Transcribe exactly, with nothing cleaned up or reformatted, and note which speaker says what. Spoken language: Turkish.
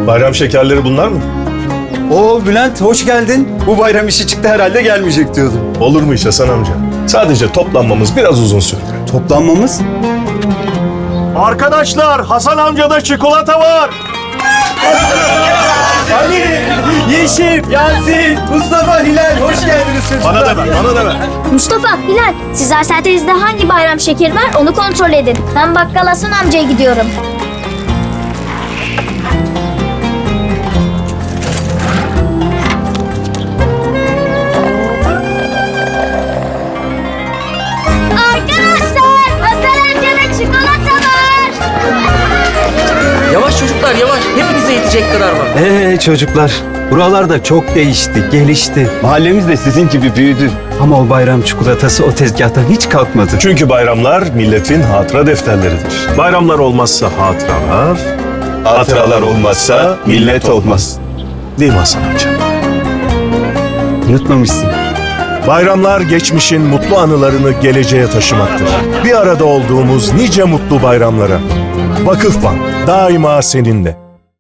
Speaker 1: Bayram şekerleri bunlar mı?
Speaker 2: Oo Bülent hoş geldin. Bu bayram işi çıktı herhalde gelmeyecek diyordum.
Speaker 1: Olur mu hiç Hasan amca? Sadece toplanmamız biraz uzun sürdü.
Speaker 2: Toplanmamız?
Speaker 1: Arkadaşlar, Hasan amcada çikolata var.
Speaker 2: Ali, Yeşim, Yasin, Mustafa, Hilal hoş geldiniz çocuklar.
Speaker 1: Bana da ver, bana da ver.
Speaker 3: Mustafa, Hilal, siz Arsenteniz'de hangi bayram şekeri var onu kontrol edin. Ben bakkal Hasan amcaya gidiyorum. Arkadaşlar, Hasan amcada çikolata var.
Speaker 4: Yavaş çocuklar yavaş. Hepinize yetecek kadar var.
Speaker 2: Ee çocuklar, buralar da çok değişti, gelişti. Mahallemiz de sizin gibi büyüdü. Ama o bayram çikolatası o tezgahtan hiç kalkmadı.
Speaker 1: Çünkü bayramlar milletin hatıra defterleridir. Bayramlar olmazsa hatıralar, hatıralar olmazsa millet olmaz. Değil mi Hasan amca?
Speaker 2: Unutmamışsın.
Speaker 1: Bayramlar geçmişin mutlu anılarını geleceğe taşımaktır. Bir arada olduğumuz nice mutlu bayramlara. Vakıfbank daima seninle.